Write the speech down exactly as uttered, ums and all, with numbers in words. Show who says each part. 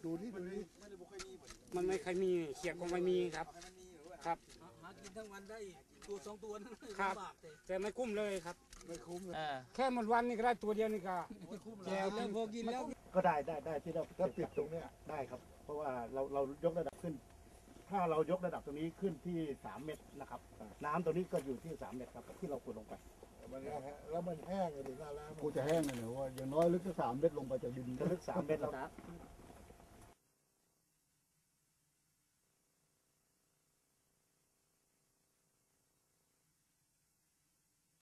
Speaker 1: ดูนี่ดูนี่
Speaker 2: มันไม่เคยมีเขียดก็ไม่มีครับครับ
Speaker 3: หากินทั้งวันได้ตัวสองตัวนั่น
Speaker 2: ครับ
Speaker 3: ลำบากเลย
Speaker 2: แต่ไม่คุ้มเลยครับ
Speaker 1: ไม่คุ้มเลย
Speaker 2: แค่หมดวันนี่ก็ได้ตัวเดียวนี่ก็
Speaker 3: แก้วแล้วพอกินแล้ว
Speaker 4: ก็ได้ได้ได้ที่เรา
Speaker 1: ถ้าปิดตรงเนี้ย
Speaker 4: ได้ครับ เพราะว่าเราเรายกระดับขึ้น ถ้าเรายกระดับตรงนี้ขึ้นที่สามเมตรนะครับ น้ำตรงนี้ก็อยู่ที่สามเมตรครับที่เราขุดลงไป
Speaker 1: มันแห้งแล้วมันแห้งเลยหน้าแล้ง
Speaker 5: กูจะแห้งเลยเหรอว่าอย่างน้อยลึกสักสามเมตรลงไปจากดิน
Speaker 4: จะลึกสามเมตรแล้ว